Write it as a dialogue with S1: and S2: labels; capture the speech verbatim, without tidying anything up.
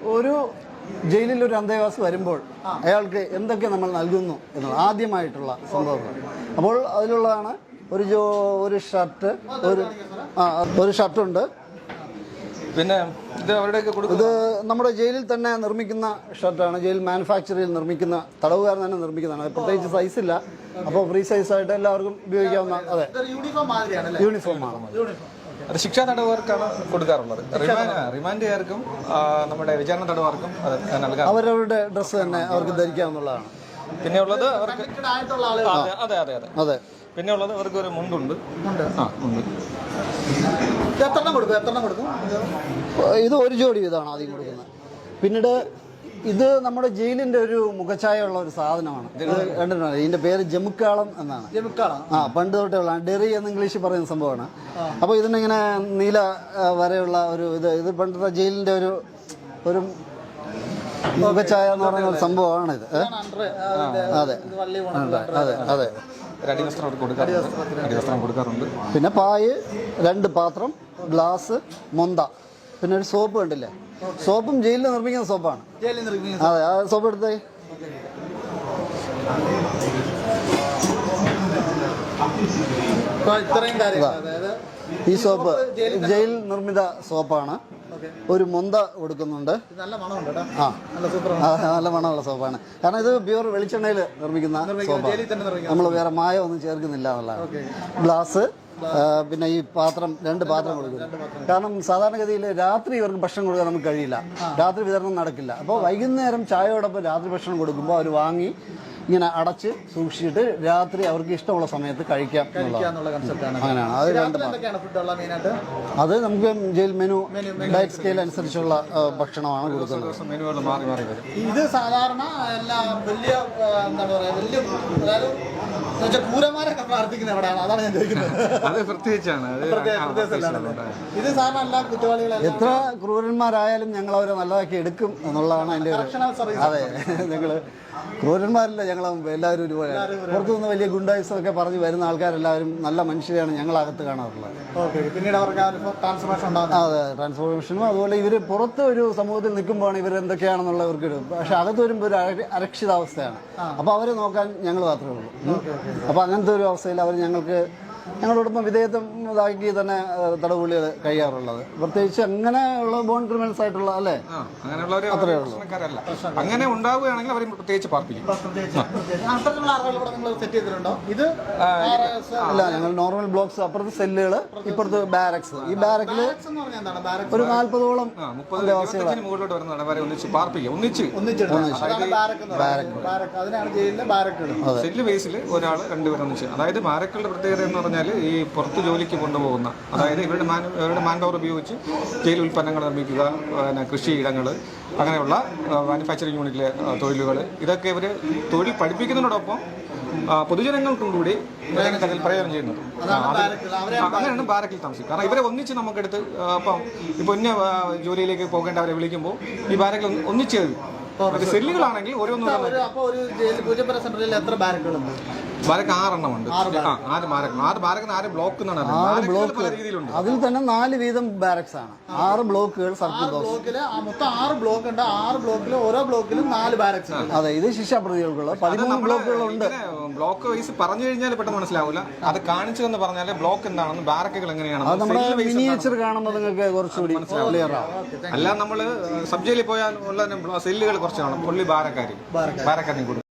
S1: ഒരു ജയിലിൽ ഒരു അന്തേവാസി വരുമ്പോൾ അയാൾക്ക് എന്തൊക്കെ നമ്മൾ നൽകുന്നു എന്നുള്ളത് ആദ്യമായിട്ടുള്ള സംഭവങ്ങൾ. അപ്പോൾ അതിലുള്ളതാണ് ഒരു ജോ ഒരു ഷർട്ട്, ഒരു ആ ഒരു ഷർട്ടുണ്ട്.
S2: പിന്നെ ഇത് അവരുടെയൊക്കെ കൊടുക്കും.
S1: ഇത് നമ്മുടെ ജയിലിൽ തന്നെ നിർമ്മിക്കുന്ന ഷർട്ടാണ്. ജയിൽ മാനുഫാക്ചറിൽ നിർമ്മിക്കുന്ന, തടവുകാരൻ തന്നെ നിർമ്മിക്കുന്നതാണ്. പ്രത്യേകിച്ച് സൈസ് ഇല്ല, അപ്പോൾ ഫ്രീ സൈസായിട്ട് എല്ലാവർക്കും ഉപയോഗിക്കാവുന്ന അതെ യൂണിഫോമാണ്.
S2: അത് ശിക്ഷാ തടവുകാർക്കാണ് കൊടുക്കാറുള്ളത്. റിമാൻഡുകാർക്കും നമ്മുടെ വിചാരണ തടവുകാർക്കും അത് നൽകാം.
S1: അവരവരുടെ ഡ്രസ്സ് തന്നെ അവർക്ക് ധരിക്കാവുന്നതാണ്.
S2: പിന്നെ ഉള്ളത് അവർക്ക് അതെ അതെ അതെ
S1: അതെ
S2: പിന്നെ ഉള്ളത് അവർക്ക് ഒരു മുണ്ടുണ്ട്. ആ മുണ്ട്
S1: ഇത് ഒരു ജോഡി ഇതാണ് ആദ്യം കൊടുക്കുന്നത്. പിന്നീട് ഇത് നമ്മുടെ ജയിലിന്റെ ഒരു മുഖഛായ ഉള്ള ഒരു സാധനമാണ്. ഇത് കണ്ടിട്ടുണ്ടോ? ഇതിന്റെ പേര് ജമുക്കാളം എന്നാണ്. ആ പണ്ട് തൊട്ടേ ഉള്ള ഡെറി എന്ന് ഇംഗ്ലീഷിൽ പറയുന്ന സംഭവമാണ്. അപ്പോൾ ഇതിനിങ്ങനെ നീല വരെയുള്ള ഒരു ഇത് ഇത് പണ്ടത്തെ ജയിലിന്റെ ഒരു ഒരു മുഖഛായ എന്ന് പറയുന്ന ഒരു സംഭവമാണ് ഇത്. അതെ അതെ അതെ
S2: കൊടുക്കാറുണ്ട്.
S1: പിന്നെ പായ്, രണ്ട് പാത്രം, ഗ്ലാസ്, മൊന്ത, പിന്നെ ഒരു സോപ്പ് കണ്ടില്ലേ? സോപ്പും ജയിലിൽ നിർമ്മിക്കുന്ന സോപ്പാണ്. അതെ ആ സോപ്പ് എടുത്തേ. ഈ സോപ്പ് ജയിൽ നിർമ്മിത സോപ്പാണ്. ഒരു മൊന്ത കൊടുക്കുന്നുണ്ട്. ആ നല്ല മണമുള്ള സോപ്പാണ്. കാരണം ഇത് പ്യൂർ വെളിച്ചെണ്ണയിൽ നിർമ്മിക്കുന്ന സോപ്പാണ്. നമ്മൾ വേറെ മായം ഒന്നും ചേർക്കുന്നില്ല എന്നുള്ളതാണ്. ഗ്ലാസ്, പിന്നെ ഈ പാത്രം, രണ്ട് പാത്രം കൊടുക്കുന്നു. കാരണം സാധാരണഗതിയിൽ രാത്രി ഇവർക്ക് ഭക്ഷണം കൊടുക്കാൻ നമുക്ക് കഴിയില്ല, രാത്രി വിതരണം നടക്കില്ല. അപ്പോൾ വൈകുന്നേരം ചായയോടൊപ്പം രാത്രി ഭക്ഷണം കൊടുക്കുമ്പോൾ അവർ വാങ്ങി ഇങ്ങനെ അടച്ച് സൂക്ഷിച്ചിട്ട് രാത്രി അവർക്ക് ഇഷ്ടമുള്ള സമയത്ത് കഴിക്കാം എന്നുള്ള കൺസെപ്റ്റാണ്. അങ്ങനെയാണ് അത്. രണ്ട് അത് നമുക്ക് ജയിൽ മെനു ഡയറ്റ് സ്കെയിൽ അനുസരിച്ചുള്ള ഭക്ഷണമാണ് കൊടുക്കുന്നത്.
S3: ഇത് സാധാരണ എല്ലാ വലിയ എന്താണ് പറയുക, വലിയ ക്രൂരന്മാരൊക്കെ പ്രാർത്ഥിക്കുന്ന എവിടെയാണ്, അതാണ് ഞാൻ ചോദിക്കുന്നത്. ഇത് സാധാരണ എല്ലാ കുറ്റവാളികളും
S1: എത്ര ക്രൂരന്മാരായാലും ഞങ്ങൾ അവരെ നല്ലതാക്കി എടുക്കും എന്നുള്ളതാണ് അതിൻ്റെ ഒരു. അതെ, ഞങ്ങൾ ക്രൂരന്മാരല്ല, ഞങ്ങൾ എല്ലാവരും ഒരുപോലെ. പുറത്തുനിന്ന് വലിയ ഗുണ്ടായുസമൊക്കെ പറഞ്ഞ് വരുന്ന ആൾക്കാരെല്ലാവരും നല്ല മനുഷ്യരെയാണ് ഞങ്ങളകത്ത് കാണാറുള്ളത്.
S3: പിന്നീട് അവർക്ക്
S1: അതെ ട്രാൻസ്ഫോർമേഷനും അതുപോലെ ഇവർ പുറത്ത് ഒരു സമൂഹത്തിൽ നിൽക്കുമ്പോഴാണ് ഇവർ എന്തൊക്കെയാണെന്നുള്ള ഇവർക്ക് ഇടും. പക്ഷെ അകത്ത് വരുമ്പോൾ ഒരു അരക്ഷിതാവസ്ഥയാണ്. അപ്പോൾ അവരെ നോക്കാൻ ഞങ്ങൾ മാത്രമേ ഉള്ളൂ. അപ്പോൾ അങ്ങനത്തെ ഒരു അവസ്ഥയിൽ അവർ ഞങ്ങൾക്ക് ഞങ്ങളോടൊപ്പം വിധേയത്വം ഇതാക്കി തന്നെ തടവുള്ളികൾ കഴിയാറുള്ളത്. പ്രത്യേകിച്ച് അങ്ങനെയുള്ള ബോൺ ക്രിമിനൽസ് ആയിട്ടുള്ള അല്ലേ, അത്രേ ഉള്ളൂ.
S2: അങ്ങനെ ഉണ്ടാവുകയാണെങ്കിൽ അവർ പ്രത്യേകിച്ച് പാർപ്പിക്കും.
S1: അല്ല, ഞങ്ങൾ നോർമൽ ബ്ലോക്സ്, അപ്പുറത്ത് സെല്ലുകൾ, ഇപ്പുറത്ത് ബാരക്സ്. ഈ ബാരക്കിൽ ഒരു നാല്പതോളം
S2: മുകളിലോട്ട് വരുന്നതാണ് ഒന്നിച്ച് പാർപ്പിക്കുക. ഒന്നിച്ച് സെല്ല് ബേസിൽ ഒരാൾ രണ്ടുപേരും ഒന്നിച്ച്. അതായത് ബാരക്കുകളുടെ പ്രത്യേകത എന്ന് പറഞ്ഞാൽ ഈ പുറത്ത് ജോലിക്ക് കൊണ്ടുപോകുന്ന, അതായത് ഇവരുടെ മാൻ ഇവരുടെ മാൻ പവർ ഉപയോഗിച്ച് ജയിൽ ഉൽപ്പന്നങ്ങൾ നിർമ്മിക്കുക, പിന്നെ കൃഷിയിടങ്ങൾ, അങ്ങനെയുള്ള മാനുഫാക്ചറിങ് യൂണിറ്റിലെ തൊഴിലുകൾ, ഇതൊക്കെ ഇവർ തൊഴിൽ പഠിപ്പിക്കുന്നതിനോടൊപ്പം പൊതുജനങ്ങൾക്കും കൂടി അതിൽ പ്രയോജനം ചെയ്യുന്നത്. അങ്ങനെയാണ് ബാരക്കിൽ താമസിക്കും. കാരണം ഇവരെ ഒന്നിച്ച് നമുക്കെടുത്ത് അപ്പം ഇപ്പോൾ ഇന്ന ജോലിയിലേക്ക് പോകേണ്ടവരെ വിളിക്കുമ്പോൾ ഈ ബാരക്കിൽ ഒന്നിച്ച് സെല്ലുകളാണെങ്കിൽ ഓരോന്നും. ബാരക്ക് ആറെണ്ണം ഉണ്ട്. ആറ് ബാരക്ക് ആറ് ബാരക്കിന് ആറ് ബ്ലോക്ക് എന്നാണ്.
S1: ആറ് ബ്ലോക്ക് രീതിയിലുണ്ട്. അതിൽ തന്നെ നാല് വീതം ബാരക്സ് ആണ്. ആറ് ബ്ലോക്കുകൾ സർക്കിൾ
S3: ബ്ലോക്കിൽ മൊത്തം ആറ് ബ്ലോക്ക് ഉണ്ട്. ആറ് ബ്ലോക്കിൽ ഓരോ ബ്ലോക്കിലും നാല് ബാരക്സ്.
S1: അതെ, ഇത് ശിക്ഷാപ്രതികൾക്കുള്ള പതിമൂന്ന് ബ്ലോക്കുകളുണ്ട്.
S2: ബ്ലോക്ക് വൈസ് പറഞ്ഞു കഴിഞ്ഞാൽ പെട്ടെന്ന് മനസ്സിലാവില്ല. അത് കാണിച്ചു എന്ന് പറഞ്ഞാൽ ബ്ലോക്ക് എന്താണെന്ന്, ബാരക്കുകൾ എങ്ങനെയാണ്,
S1: അത് നമ്മുടെ മിനിയേച്ചർ കാണുമ്പോൾ നിങ്ങൾക്ക് കുറച്ചുകൂടി ക്ലിയർ ആവും.
S2: അല്ല, നമ്മൾ സബ് ജയിലിൽ പോയാൽ ഉള്ള സെല്ലുകൾ കുറച്ച് കാണും. പുള്ളി ബാരക്കാരി ബാരക്കാരി കൊടുക്കും.